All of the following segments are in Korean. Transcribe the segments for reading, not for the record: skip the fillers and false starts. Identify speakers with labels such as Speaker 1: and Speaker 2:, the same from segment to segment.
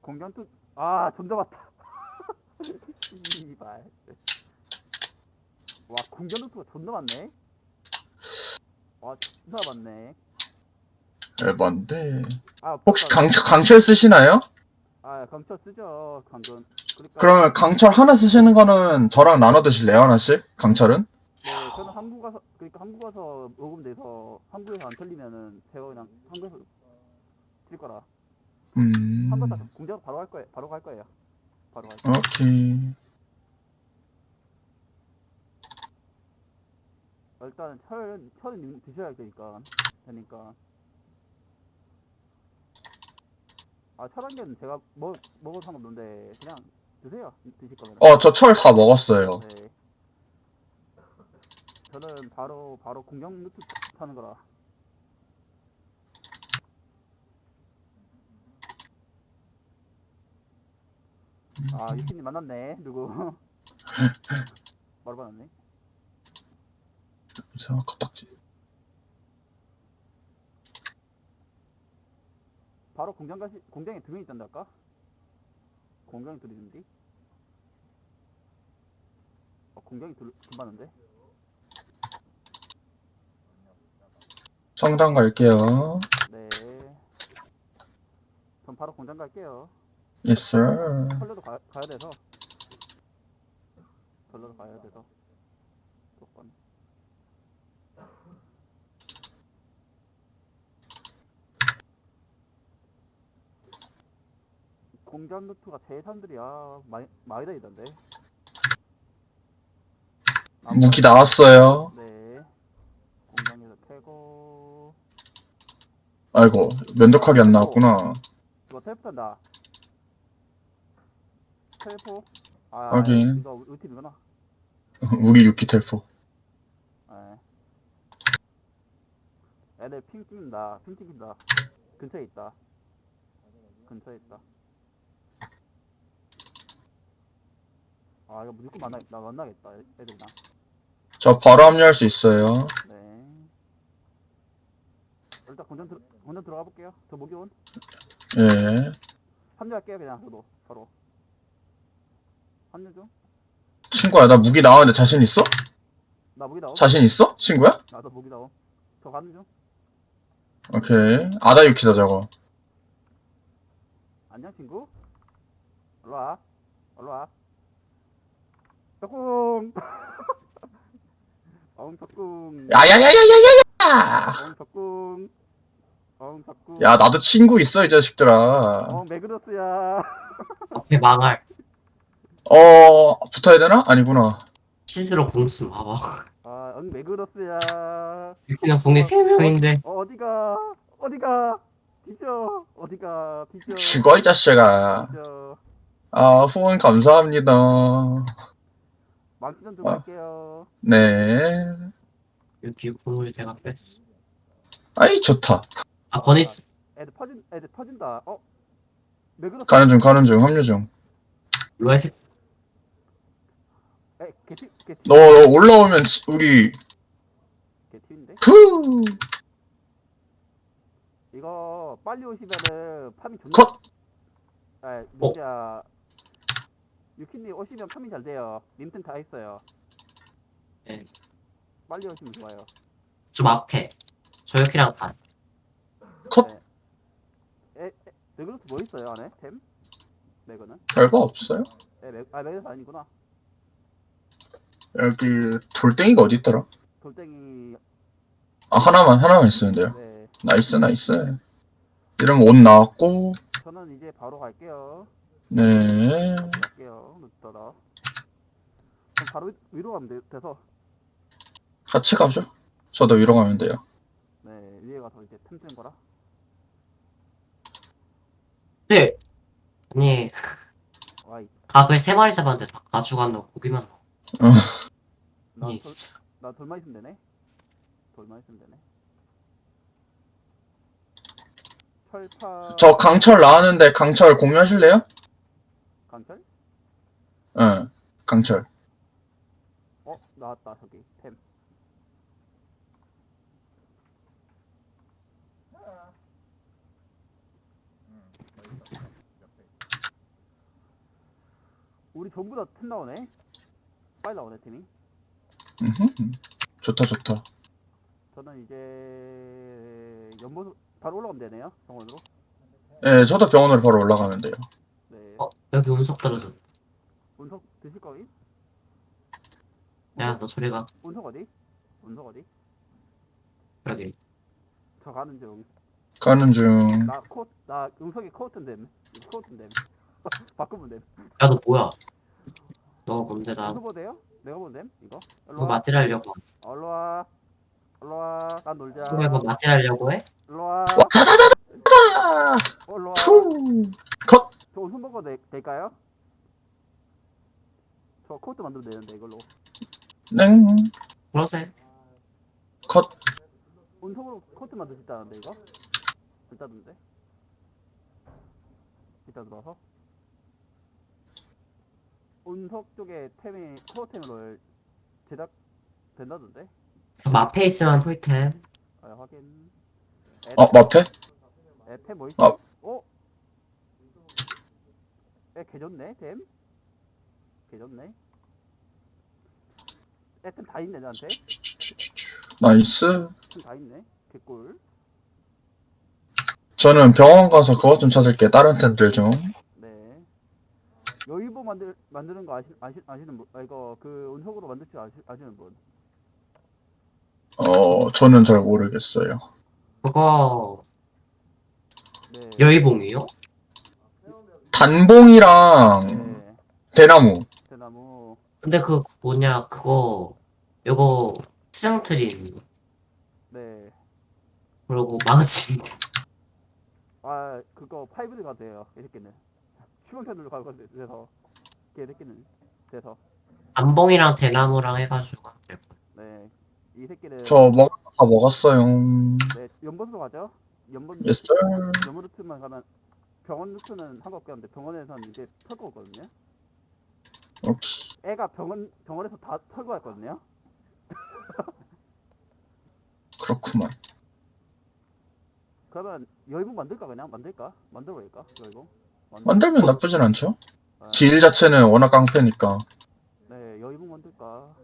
Speaker 1: 공격투 좀 잡았다. 씨발. 와 공격투가 존나 많네. 와 존나 많네.
Speaker 2: 에반데. 혹시
Speaker 1: 붙었다.
Speaker 2: 강철 쓰시나요?
Speaker 1: 강철 쓰죠 방금. 그러니까
Speaker 2: 그러면 강철 하나 쓰시는 거는 저랑 나눠 드실래요, 하나씩? 강철은?
Speaker 1: 네 저는 한국 가서 그러니까 한국 가서 녹음돼서 한국에서 안 틀리면은 제가 그냥 한국에서 칠 거라. 한국 다
Speaker 2: 음,
Speaker 1: 공작 바로 갈 거예요. 바로 갈 거예요. 바로 갈 거예요.
Speaker 2: 오케이.
Speaker 1: 일단 철은 드셔야 되니까. 철 한 개는 제가 먹어도 상관없는데 그냥 드세요. 드실 거면은.
Speaker 2: 저 철 다 먹었어요.
Speaker 1: 네. 저는 바로 공격 루트 타는 거라. 유키님 만났네. 누구? 바로 만났네.
Speaker 2: 이상한 컵딱지.
Speaker 1: 바로 공장에 두 명 있던데 아까? 공장에 둘 있는데? 공장에 둘 봤는데?
Speaker 2: 성당 갈게요.
Speaker 1: 네. 전 바로 공장 갈게요.
Speaker 2: Yes, sir.
Speaker 1: 털려도 가야 돼서. 털려도 가야 돼서. 조건. 공장 루트가 재산들이 많이 다니던데.
Speaker 2: 무기 나왔어요.
Speaker 1: 네. 공장에서 캐고.
Speaker 2: 아이고, 면도칼이 안 나왔구나.
Speaker 1: 이거 텔포 탄다. 텔포?
Speaker 2: 하긴,
Speaker 1: 이거 우리 팀이구나.
Speaker 2: 우리 유키 텔포.
Speaker 1: 네. 애들 핑 찍는다. 핑 찍힌다. 근처에 있다. 근처에 있다. 이거 무조건 만나겠다. 애들이랑.
Speaker 2: 저 바로 합류할 수 있어요.
Speaker 1: 네. 일단 건전 들어가 볼게요. 저 목요온.
Speaker 2: 예.
Speaker 1: 합류할게요, 그냥. 저도. 바로. 합류 중.
Speaker 2: 친구야, 나 무기 나왔는데 자신 있어?
Speaker 1: 나 무기 나옴.
Speaker 2: 자신 있어? 친구야?
Speaker 1: 나도 무기 나옴. 저 가는 중.
Speaker 2: 오케이. 아다 유키다, 저거.
Speaker 1: 안녕, 친구. 올라와. 올라와. 덕궁! 덕궁.
Speaker 2: 야야야야야야야!
Speaker 1: 덕궁. 덕궁.
Speaker 2: 야, 나도 친구 있어, 이 자식들아.
Speaker 1: 매그러스야.
Speaker 3: 앞에 망할.
Speaker 2: 붙어야 되나? 아니구나.
Speaker 3: 실수로 궁수 봐봐.
Speaker 1: 매그러스야.
Speaker 3: 그냥 국내 3명인데.
Speaker 1: 어디가? 뒤져. 어디가? 뒤져.
Speaker 2: 죽어, 이 자식아.
Speaker 1: 뒤져.
Speaker 2: 후원 감사합니다.
Speaker 1: 망치전 좀 할게요.
Speaker 2: 네.
Speaker 3: 여기 국물 내가 뺐어.
Speaker 2: 아이, 좋다.
Speaker 3: 버니스.
Speaker 1: 애들 퍼진다. 매그러스.
Speaker 2: 가는 중, 합류 중.
Speaker 3: 로에스.
Speaker 1: 개티.
Speaker 2: 너 올라오면 우리,
Speaker 1: 개티인데?
Speaker 2: 푸!
Speaker 1: 이거 빨리 오시면은 파밍 존나.
Speaker 2: 컷!
Speaker 1: 진짜 유키님 오시면 파밍 잘 돼요. 님튼 다 있어요.
Speaker 3: 네.
Speaker 1: 빨리 오시면 좋아요.
Speaker 3: 좀 앞에. 저혁이랑 다.
Speaker 2: 컷!
Speaker 1: 매그러스 뭐 있어요 안에? 템? 매그는?
Speaker 2: 별거 없어요.
Speaker 1: 매그러스 아니구나.
Speaker 2: 여기, 돌덩이가 어디 있더라?
Speaker 1: 돌덩이.
Speaker 2: 하나만 있으면 돼요.
Speaker 1: 네.
Speaker 2: 나이스. 이러면 옷 나왔고,
Speaker 1: 저는 이제 바로 갈게요.
Speaker 2: 네.
Speaker 1: 갈게요. 늦더라. 그럼 바로 위로 가면 돼서.
Speaker 2: 같이 가죠. 저도 위로 가면 돼요.
Speaker 1: 네, 위에 가서 이제 템 쓰는 거라.
Speaker 3: 네. 아니,
Speaker 1: 와이.
Speaker 3: 닭을 3마리 잡았는데 다 가져간다고 고기만 나와.
Speaker 1: 나
Speaker 3: 아니, 진짜.
Speaker 1: 돌만 있으면 되네. 돌만 있으면 되네. 철파.
Speaker 2: 저 강철 나왔는데 강철 공유하실래요?
Speaker 1: 강철?
Speaker 2: 응, 강철.
Speaker 1: 나왔다 저기 템. 우리 전부 다 템 나오네. 빨리 나오네 템이.
Speaker 2: 좋다, 좋다.
Speaker 1: 저는 이제 연못 바로 올라가면 되네요. 정원으로.
Speaker 2: 예, 저도 병원으로 바로 올라가면 돼요.
Speaker 1: 네.
Speaker 3: 여기 운석 떨어졌다.
Speaker 1: 운석 드실 거니?
Speaker 3: 야, 너 소리가.
Speaker 1: 운석 어디? 운석 어디?
Speaker 3: 여기.
Speaker 1: 저 가는 중.
Speaker 2: 가는 중.
Speaker 1: 나 운석이 코어튼댐. 코어튼댐. 바꾸면 됨.
Speaker 3: 야, 너 뭐야? 너 뭔데, 나.
Speaker 1: 운석 어디요? 내가 본 됨? 이거? 일로
Speaker 3: 너
Speaker 1: 와.
Speaker 3: 마틸 하려고.
Speaker 1: 일로 와. 일로 와. 난 놀자.
Speaker 3: 소리가 너 마틸 하려고 해?
Speaker 1: 일로 와.
Speaker 2: 아,
Speaker 1: 일로 와.
Speaker 2: 푸. 컷.
Speaker 1: 저 운석 먹어도 될까요? 저 코트 만들면 되는데 이걸로.
Speaker 2: 땡.
Speaker 3: 그러세.
Speaker 2: 컷.
Speaker 1: 운석으로 코트 만들 수 있다는데 이거? 있다던데? 이따 들어와서 운석 쪽에 템이 코어템으로 제작 된다던데?
Speaker 3: 저 앞에 있으면 풀템.
Speaker 1: 아 확인.
Speaker 2: 마페?
Speaker 1: 템 뭐 있지?
Speaker 2: 아.
Speaker 1: 어? 개좋네 템? 개좋네. 템 다 있네 나한테.
Speaker 2: 나이스.
Speaker 1: 템 다 있네. 개꿀.
Speaker 2: 저는 병원 가서 그것 좀 찾을게. 다른 템들 좀.
Speaker 1: 네. 여의보 만드는 거 아시는 분? 이거 그 운석으로 만들 줄 아시는 분?
Speaker 2: 저는 잘 모르겠어요.
Speaker 3: 그거,
Speaker 1: 네.
Speaker 3: 여의봉이요?
Speaker 2: 단봉이랑
Speaker 1: 네.
Speaker 2: 대나무.
Speaker 1: 대나무.
Speaker 3: 근데 그, 뭐냐, 그거, 요거, 수정트리 있는 거.
Speaker 1: 네.
Speaker 3: 그리고 망치인데.
Speaker 1: 아 그거 5D 가도 돼요. 이 새끼는. 추방편으로 가고 돼서 개새끼는 돼서.
Speaker 3: 안봉이랑 대나무랑 해가지고 하면 될 거야.
Speaker 1: 네. 이 새끼는
Speaker 2: 다 먹었어요.
Speaker 1: 네 연못으로 가죠. 연못
Speaker 2: 예스.
Speaker 1: 연못 루트만 가면 병원 루트는 상관없게 하는데 병원에서는 이제 털고 오거든요.
Speaker 2: 오케이.
Speaker 1: 애가 병원에서 다 털고 왔거든요.
Speaker 2: 그렇구만.
Speaker 1: 그러면 여의봉 만들까 그냥 만들어볼까 여의봉.
Speaker 2: 만들면 나쁘진 않죠.
Speaker 1: 아,
Speaker 2: 길 자체는 워낙 깡패니까.
Speaker 1: 네 여의봉 만들까.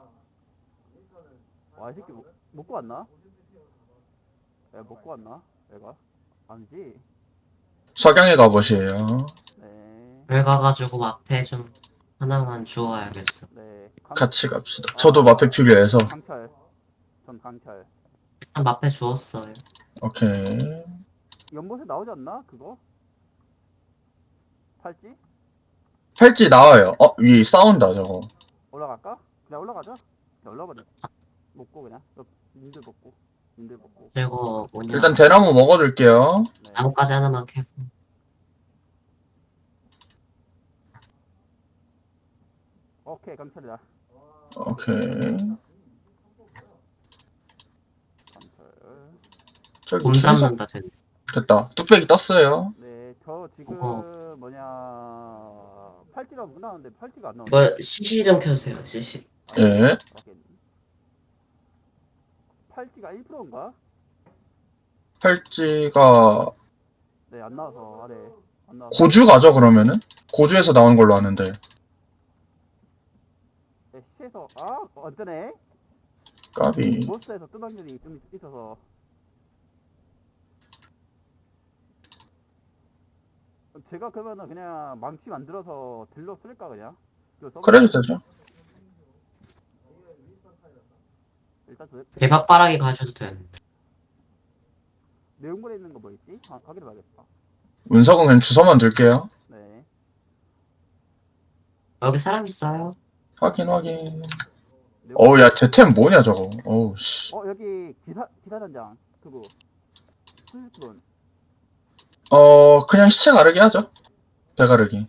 Speaker 1: 와 이 새끼 먹고 왔나? 애 먹고 왔나? 애가 아니지.
Speaker 2: 석양의 갑옷이에요.
Speaker 1: 네.
Speaker 3: 여기 가가지고 앞에 좀 하나만 주워야겠어.
Speaker 1: 네.
Speaker 2: 같이 갑시다. 저도 마페 필요해서.
Speaker 1: 강철. 전 강철.
Speaker 3: 일단 앞에 주웠어요.
Speaker 2: 오케이.
Speaker 1: 연못에 나오지 않나 그거? 팔찌?
Speaker 2: 팔찌 나와요. 위 싸운다 저거.
Speaker 1: 올라갈까? 그냥 올라가자. 그냥 올라가자. 먹고 그냥. 님들 먹고. 님들 먹고.
Speaker 3: 그리고 뭐냐,
Speaker 2: 일단 대나무 먹어둘게요.
Speaker 1: 네.
Speaker 3: 나뭇가지 하나만 캐고.
Speaker 1: 오케이 강철이다.
Speaker 2: 오케이.
Speaker 1: 강철.
Speaker 2: 저기
Speaker 3: 곰
Speaker 2: 계속
Speaker 3: 잡는다, 쟤네.
Speaker 2: 됐다. 뚝배기 떴어요.
Speaker 1: 네. 저 지금
Speaker 3: 어허.
Speaker 1: 뭐냐 팔찌가 못 나오는데 팔찌가 안 나오네.
Speaker 3: 이거 CC 좀 켜주세요, CC.
Speaker 2: 예.
Speaker 1: 팔찌가 1%인가?
Speaker 2: 팔찌가
Speaker 1: 네, 안 나와서 아래 안 나와서.
Speaker 2: 고주 가죠 그러면은? 고주에서 나온 걸로 아는데.
Speaker 1: 네, 시에서 어쩌네?
Speaker 2: 까비.
Speaker 1: 몬스터에서 뜬 확률이 좀 있어서. 제가 그러면은 그냥 망치 만들어서 딜러 쓸까 그냥?
Speaker 2: 그래도 되죠.
Speaker 1: 일단
Speaker 3: 대박바라기 가셔도 되는데.
Speaker 1: 내용물에 있는 거 뭐 있지? 확인해봐야겠다.
Speaker 2: 운석은 그냥 주소만 둘게요.
Speaker 1: 네.
Speaker 3: 여기 사람 있어요?
Speaker 2: 확인 확인.
Speaker 1: 내용물...
Speaker 2: 야, 제 템 뭐냐 저거. 어우 씨.
Speaker 1: 여기 기사 단장 그거. 수습분.
Speaker 2: 그냥 시체 가르기 하죠. 배 가르기.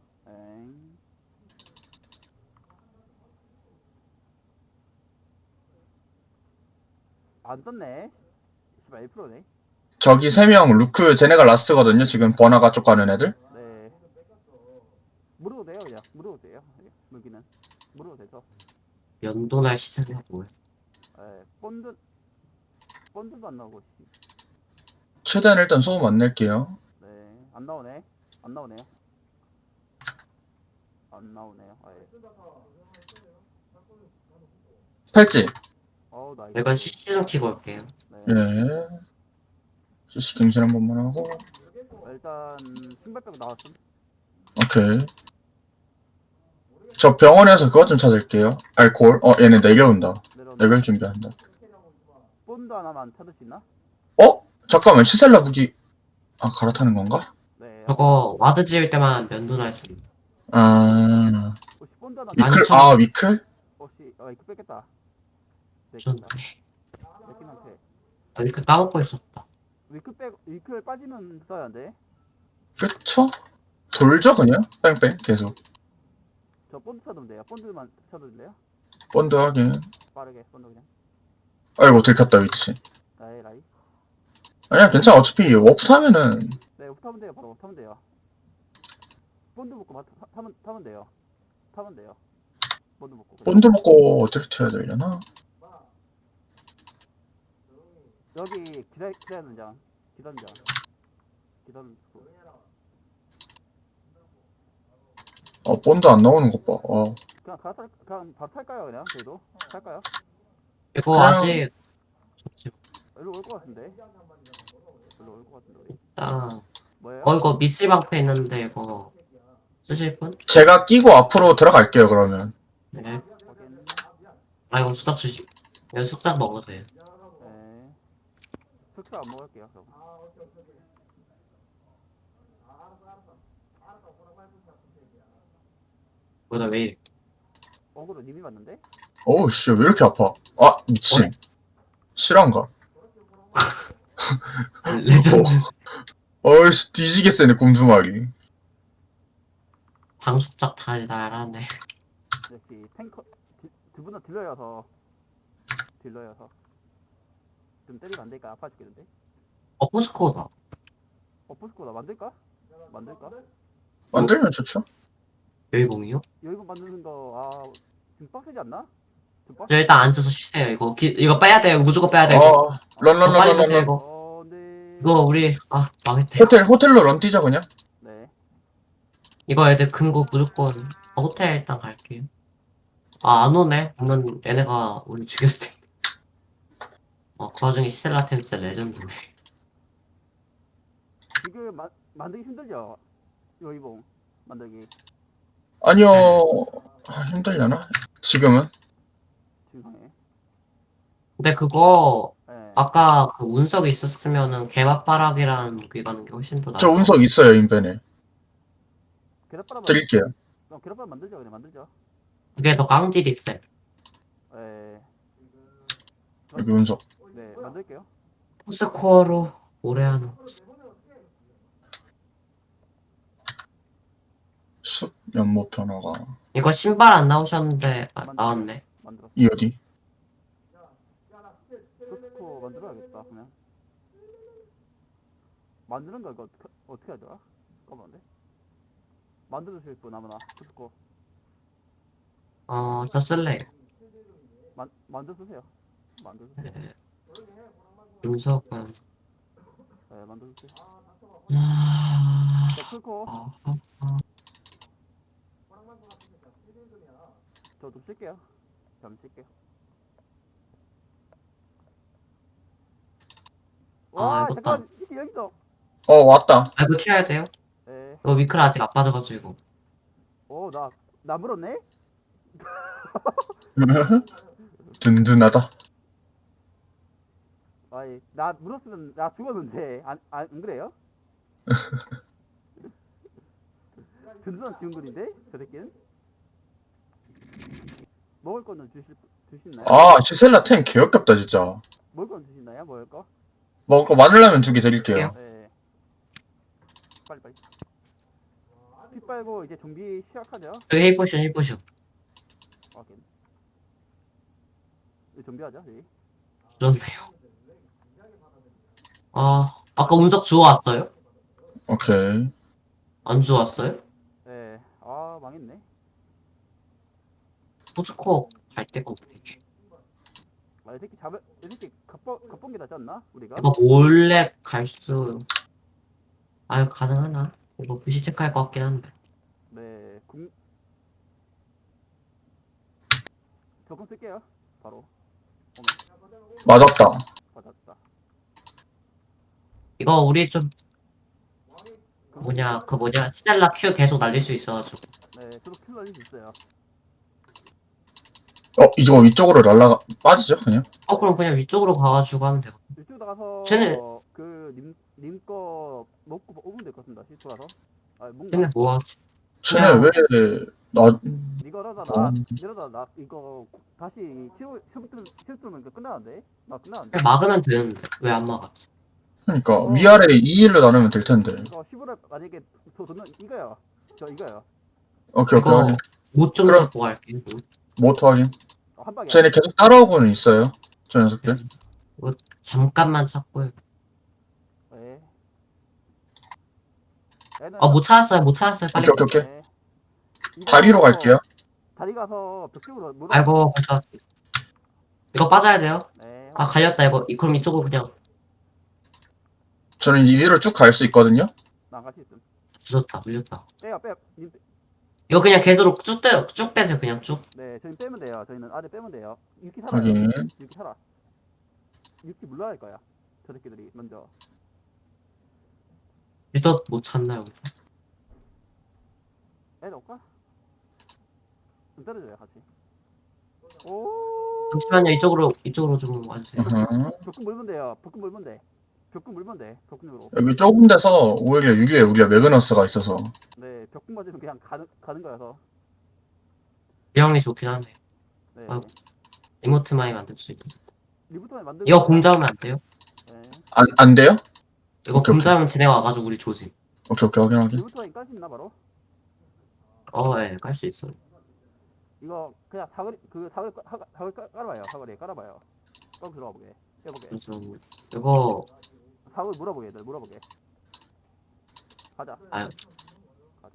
Speaker 1: 안 떴네. 1%네.
Speaker 2: 저기 3명 루크 쟤네가 라스트거든요. 지금 버나가 쪽 가는 애들.
Speaker 1: 네. 물어도 돼요 그냥. 물어도 돼요. 여기는 물어도 돼서.
Speaker 3: 연도날 시세가 뭐야?
Speaker 1: 본드도 안 나오고.
Speaker 2: 최대한 일단 소음 안 낼게요.
Speaker 1: 네. 안 나오네. 안 나오네요. 안 나오네요. 아예.
Speaker 2: 팔찌.
Speaker 1: 나이스.
Speaker 3: 이건 CC 좀 키고 올게요.
Speaker 1: 네.
Speaker 2: 예. CC 갱신 한 번만 하고.
Speaker 1: 일단 신발 빼고 나왔음.
Speaker 2: 오케이. 저 병원에서 그것 좀 찾을게요. 알코올. 얘네 내려온다.
Speaker 1: 내려온다.
Speaker 2: 레벨 준비한다.
Speaker 1: 본드 하나만 찾을 수 있나?
Speaker 2: 잠깐만. 시셀라 무기. 갈아타는 건가?
Speaker 1: 네.
Speaker 3: 저거 와드 지을 때만 면도날 수 있는.
Speaker 1: 혹시 본드 하나
Speaker 3: 만-
Speaker 2: 위클?
Speaker 3: 만천-
Speaker 2: 위클?
Speaker 1: 혹시 이거 뺐겠다. 네,
Speaker 3: 전
Speaker 1: 뺐다. 내팀한테
Speaker 3: 이렇게 까먹고 있었다.
Speaker 1: 위클 빠지면 써야 돼.
Speaker 2: 그쵸? 돌죠, 그냥? 뺑뺑. 계속.
Speaker 1: 저 본드 쳐도 돼요. 본드만 쳐도 돼요?
Speaker 2: 본드 하긴.
Speaker 1: 빠르게 본드 그냥.
Speaker 2: 아이고, 들켰다, 위치.
Speaker 1: 라이.
Speaker 2: 아니야, 괜찮아. 어차피 워프 타면은.
Speaker 1: 네, 타면 돼요. 바로 타면 돼요. 본드 먹고 타면 돼요. 타면 돼요. 본드 먹고. 그냥.
Speaker 2: 본드 먹고 어디로 튀어야 되려나?
Speaker 1: 여기 기다리는 장. 기다리는
Speaker 2: 본드 안 나오는 것 봐.
Speaker 1: 그냥 바로 탈까요 그냥 저희도 탈까요?
Speaker 3: 이거
Speaker 2: 그냥-
Speaker 3: 아직 잠시만.
Speaker 1: 일로 올 것 같은데. 일로 올 것 같은데 우리.
Speaker 3: 일단
Speaker 1: 뭐예요?
Speaker 3: 이거 미술 방패 있는데 이거 쓰실 분?
Speaker 2: 제가 끼고 앞으로 들어갈게요, 그러면.
Speaker 3: 네.
Speaker 1: 확인.
Speaker 3: 이거 수작 주시. 이거 숙작 먹어도 돼요.
Speaker 1: 네. 숙소 안 먹을게요. 그럼.
Speaker 3: 뭐다 왜 이래?
Speaker 1: 어그로 님이 맞는데?
Speaker 2: 어우, 씨, 왜 이렇게 아파? 미친. 실화인가?
Speaker 3: 레전드.
Speaker 2: 어이씨, 뒤지게 세네, 곰수말이.
Speaker 3: 방숙작 달달하네.
Speaker 1: 역시 탱커 두 분은 딜러여서 좀 때리면 안 되니까 아파 죽겠는데?
Speaker 3: 포스코다.
Speaker 1: 포스코다 만들까?
Speaker 2: 만들면 좋죠?
Speaker 3: 여의봉이요?
Speaker 1: 여기서 만드는 거 좀 빡세지 않나? 좀
Speaker 3: 저
Speaker 1: 빡세.
Speaker 3: 일단 앉아서 쉬세요. 이거 빼야 돼요. 무조건 빼야 돼요. 이거. 빨리 빼세요
Speaker 2: 런.
Speaker 3: 이거.
Speaker 1: 네.
Speaker 3: 이거 우리 망했대요.
Speaker 2: 호텔로 런 뛰자, 그냥.
Speaker 1: 네.
Speaker 3: 이거 애들 금고 무조건 호텔 일단 갈게요. 안 오네. 그러면 얘네가 우리 죽였을 텐데. 그 와중에 스텔라템 진짜 레전드네.
Speaker 1: 지금 만들기 힘들죠? 여의봉 만들기
Speaker 2: 아니요. 힘들려나? 지금은?
Speaker 1: 지금.
Speaker 3: 근데 그거
Speaker 1: 네.
Speaker 3: 아까 그 운석이 있었으면은 개맛바락이라는 무기 가는 게 훨씬 더
Speaker 2: 저
Speaker 3: 나을 것
Speaker 2: 운석 있어요, 인벤에.
Speaker 1: 계란바람
Speaker 2: 드릴게요.
Speaker 1: 그럼 계란바람 만들죠 그냥 만들죠.
Speaker 3: 그게 더 깡딜이 있어요.
Speaker 1: 네.
Speaker 2: 여기 운석.
Speaker 1: 네 만들게요.
Speaker 3: 포스코어로 오래 하는
Speaker 2: 숲 연못 변화가.
Speaker 3: 이거 신발 안 나오셨는데 나왔네.
Speaker 1: 만들었어.
Speaker 2: 이 어디?
Speaker 1: 포스코 만들어야겠다 그냥. 만드는 거 이거 어떻게 하죠? 잠깐만데. 만들어주실 분 아무나 포스코
Speaker 3: 저 쓸래요.
Speaker 1: 만들어주세요. 만들어주세요.
Speaker 3: 네. 운석은
Speaker 1: 네 만들어주세요.
Speaker 3: 아...
Speaker 1: 저 풀코
Speaker 3: 아,
Speaker 1: 저도 쓸게요. 잠 쓸게요. 와
Speaker 3: 이거
Speaker 1: 잠깐 이게 여기 있어.
Speaker 2: 왔다.
Speaker 3: 이거 튀어야 돼요?
Speaker 1: 네.
Speaker 3: 이거 위클 아직 안 빠져가지고.
Speaker 1: 나 물었네?
Speaker 2: 든든하다.
Speaker 1: 아이 나 물었으면 나 죽었는데 안 그래요? 든든한 지원군인데 저 새끼는 먹을 거는 주시나요?
Speaker 2: 시셀라 탱 개역겹다, 진짜.
Speaker 1: 먹을 거는 주시나요? 먹을 거?
Speaker 2: 먹을 거 마늘라면 2개 드릴게요.
Speaker 1: 네. 빨리. 피 빨고 이제 정비 시작하죠.
Speaker 3: 여기 힐포션.
Speaker 1: 확인. 이제 정비하자. 저희.
Speaker 3: 좋네요. 아까 운석 주워왔어요?
Speaker 2: 오케이.
Speaker 3: 안 주워왔어요?
Speaker 1: 네. 망했네.
Speaker 3: 포스코 갈 데가 없네 이게.
Speaker 1: 이 새끼 갑본 게 낫지 않나? 우리가?
Speaker 3: 이거 몰래 가능하나? 이거 부시 체크할 것 같긴 한데.
Speaker 1: 네. 조금 쓸게요. 바로.
Speaker 2: 맞았다.
Speaker 1: 맞았다.
Speaker 3: 이거 우리 좀 뭐냐 스텔라 Q 계속 날릴 수 있어가지고.
Speaker 1: 네, 저도 킬 날릴 수 있어요.
Speaker 2: 이거 위쪽으로 빠지죠, 그냥?
Speaker 3: 그럼 그냥 위쪽으로 가가지고 하면 되고.
Speaker 1: 이쪽 나가서
Speaker 3: 쟤네-
Speaker 1: 님 거 먹고 오면 될 것 같습니다. 시트 가서. 아, 뭔가
Speaker 3: 쟤네 뭐하지?
Speaker 2: 쟤네 왜, 나,
Speaker 1: 이러다 나 이거 다시 치우면 끝나는데? 나 끝나는데?
Speaker 3: 그냥 막으면 되는데 왜 안 막았지?
Speaker 2: 그러니까, 위아래 2일로 나누면 될 텐데.
Speaker 1: 이거 15를 만약에 저는 이거요. 저 이거요.
Speaker 2: 오케이, 오케이.
Speaker 3: 이거
Speaker 2: 확인.
Speaker 3: 못 좀
Speaker 2: 그럼-
Speaker 3: 잡고 갈게.
Speaker 2: 모터 확인.
Speaker 1: 한 방에.
Speaker 2: 쟤네 계속 따라오고는 있어요. 저 녀석들.
Speaker 3: 잠깐만 찾고.
Speaker 1: 네.
Speaker 3: 못 찾았어요. 빨리.
Speaker 2: 오케이, 오케이.
Speaker 1: 네.
Speaker 2: 다리로 갈게요.
Speaker 1: 다리 가서 벽쪽으로 물어.
Speaker 3: 아이고 벌써 이거 빠져야 돼요.
Speaker 1: 네.
Speaker 3: 아 갈렸다 이거. 그럼 이쪽으로 그냥
Speaker 2: 저는 이리로 쭉 갈 수 있거든요.
Speaker 1: 나갈 수 있음.
Speaker 3: 주졌다 물렸다.
Speaker 1: 빼요.
Speaker 3: 이거 그냥 계속 쭉 빼세요. 그냥 쭉.
Speaker 1: 네, 저희 빼면 돼요. 저희는 아래 빼면 돼요. 유키 살아요.
Speaker 2: 확인.
Speaker 1: 유키 살아. 유키 물러날 거야. 저 새끼들이 먼저.
Speaker 3: 리더 못 찾나요?
Speaker 1: 애 넣을까? 좀 떨어져요, 같이. 오.
Speaker 3: 잠시만요. 이쪽으로 좀 와주세요.
Speaker 1: 벽금 물면 돼요. 벽금 물면 돼. 벽금 물면 돼. 벽금으로.
Speaker 2: 여기 좁은 데서 오히려 유리에 우리가 매그너스가 있어서.
Speaker 1: 네, 벽금 맞으면 그냥 가는 거여서.
Speaker 3: 지형이 좋긴 하네.
Speaker 1: 네.
Speaker 3: 아이고. 리모트 많이 만들 수 있고.
Speaker 1: 리부터만 만들고.
Speaker 3: 이거 공 잡으면 안 돼요?
Speaker 1: 네.
Speaker 2: 안 돼요?
Speaker 3: 이거
Speaker 2: 오케이,
Speaker 3: 공
Speaker 2: 오케이.
Speaker 3: 잡으면 쟤네가 와가지고 우리 조짐.
Speaker 2: 오케이, 확인.
Speaker 1: 리부터만 깔수 있나 바로?
Speaker 3: 예, 깔 수 있어요.
Speaker 1: 이거 그냥 사거리 깔아봐요. 사거리에 깔아봐요. 깔고 들어가 보게. 해보게.
Speaker 3: 그래서 이거
Speaker 1: 사거리 물어보게. 얘들 물어보게. 가자.
Speaker 3: 아유.
Speaker 1: 가자.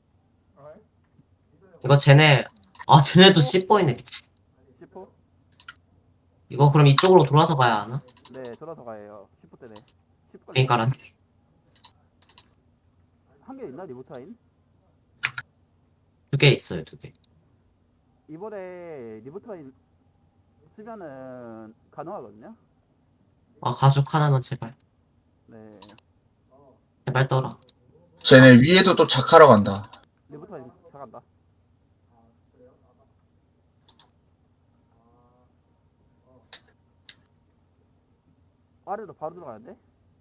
Speaker 3: 이거 쟤네도 씹보이네 미친.
Speaker 1: 10호?
Speaker 3: 이거 그럼 이쪽으로 돌아서 가야 하나?
Speaker 1: 네, 돌아서 가요. 10호 때네. 10호
Speaker 3: 괜히 깔았네.
Speaker 1: 한개 있나 리부타인?
Speaker 3: 2개 있어요, 2개.
Speaker 1: 이번에 리부타인 쓰면은 가능하거든요.
Speaker 3: 가죽 하나만 제발.
Speaker 1: 네,
Speaker 3: 제발 떠라.
Speaker 2: 쟤네 위에도 또 작하러 간다.
Speaker 1: 리부타인 차간다. 아래로 바로 들어가는데?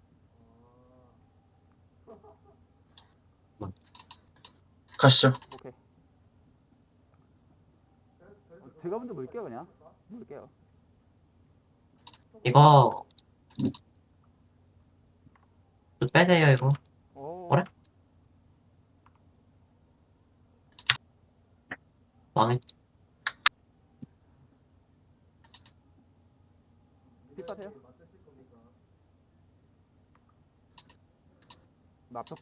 Speaker 2: 가시죠.
Speaker 1: 오케이. 제가 먼저 물게요 그냥. 물게요.
Speaker 3: 이거 좀 빼세요, 이거.
Speaker 1: 오.
Speaker 3: 그래? 망했.
Speaker 1: 뒷바세요. 나 벽.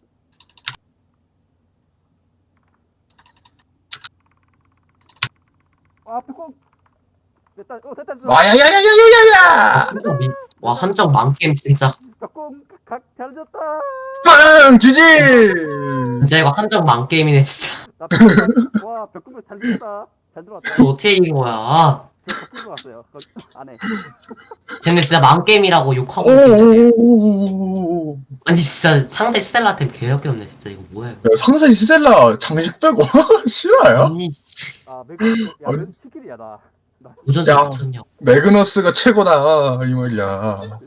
Speaker 1: 아 벽공. 됐다. 됐다.
Speaker 2: 와야야야야야야야!
Speaker 3: 함정 망게임 진짜.
Speaker 1: 벽공 잘 졌다.
Speaker 2: 빵! 지지!
Speaker 3: 진짜 이거 함정 망게임이네, 진짜.
Speaker 1: 나 벽공. 와 벽공 잘 졌다. 잘 들어왔다.
Speaker 3: 이거 어떻게 이긴 거야?
Speaker 1: 저 벽공 들어왔어요. 안에.
Speaker 3: 쟤네 진짜 망게임이라고 욕하고 있는데.
Speaker 2: 오오오오오오오.
Speaker 3: 아니, 진짜 상대 스텔라템 개역이 없네, 진짜. 이거 뭐야, 이거.
Speaker 2: 야, 상세 스텔라 장식 빼고 실화야?
Speaker 3: 아니,
Speaker 1: 아 매그. 야 매그 치킨이야 나.
Speaker 3: 도전자
Speaker 2: 야.
Speaker 3: 미쳤냐.
Speaker 2: 매그너스가 최고다 이 말이야.